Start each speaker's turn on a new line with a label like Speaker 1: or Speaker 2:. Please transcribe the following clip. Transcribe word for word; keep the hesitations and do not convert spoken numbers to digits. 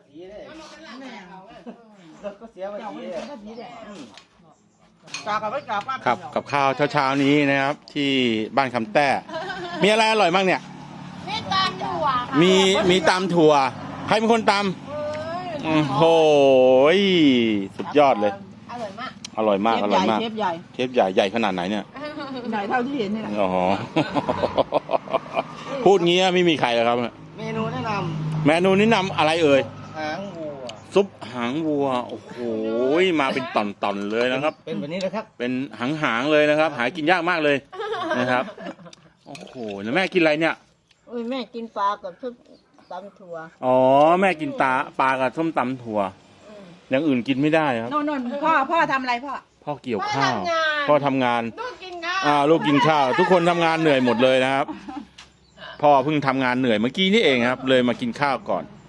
Speaker 1: สีเลย
Speaker 2: แม่
Speaker 1: รถก็เสียภา
Speaker 2: เจ้า
Speaker 1: ษี
Speaker 2: เป็นภาษีแดง
Speaker 1: อืม
Speaker 2: กากับไม่กาป้า
Speaker 3: ครับกับข้าวเช้าๆนี้นะครับ ที่บ้านคำแต้มีอะไรอร่อยบ้างเนี่ย
Speaker 4: นี่ตามถั่วค่ะ
Speaker 3: มีมีตำถั่วใครเป็นคนตำโอ้โหสุดยอดเลย
Speaker 4: อร่อยมาก
Speaker 3: อร่อยมากอร่อยมาก
Speaker 2: เชฟใหญ่
Speaker 3: เทปใหญ่ใหญ่ขนาดไหนเนี่ย
Speaker 2: ใหญ่เท่าที่เห็นนี่แหละ
Speaker 3: อ๋อ พูดงี้ไม่มีใครแล้วครับ
Speaker 1: เมนูแนะน
Speaker 3: เมนูแนะนำอะไรเอ่ย
Speaker 1: ำหางวัว
Speaker 3: ซุปหางวัวโอ้โหมาเป็นตอนๆเลยนะครับ
Speaker 1: เป็นแบบนี้นะครับ
Speaker 3: เป็นหางๆเลยนะครับ หากินยากมากเลยนะครับโอ้โหแล้วแม่กินอะไรเนี่ย
Speaker 4: อุ้ยแม่กินปลากับชุบตำถั่ว
Speaker 3: อ๋อแม่กินตาปลากับส้มตำถั่วอย่างอื่นกินไม่ได้ครับ
Speaker 2: โน่นโน่นพ่อพ่อทำอะไรพ่อ
Speaker 3: พ่อเกี่ยวข้าว
Speaker 4: พ่
Speaker 3: พ่อ
Speaker 4: อ
Speaker 3: ทำงาน
Speaker 4: ลูกกินข้าว
Speaker 3: อ่าลูกกินข้าว ทุกคนทำงานเหนื่อยหมดเลยนะครับ พ่อเพิ่งทำงานเหนื่อยเมื่อกี้นี่เองครับ เลยมากินข้าวก่อน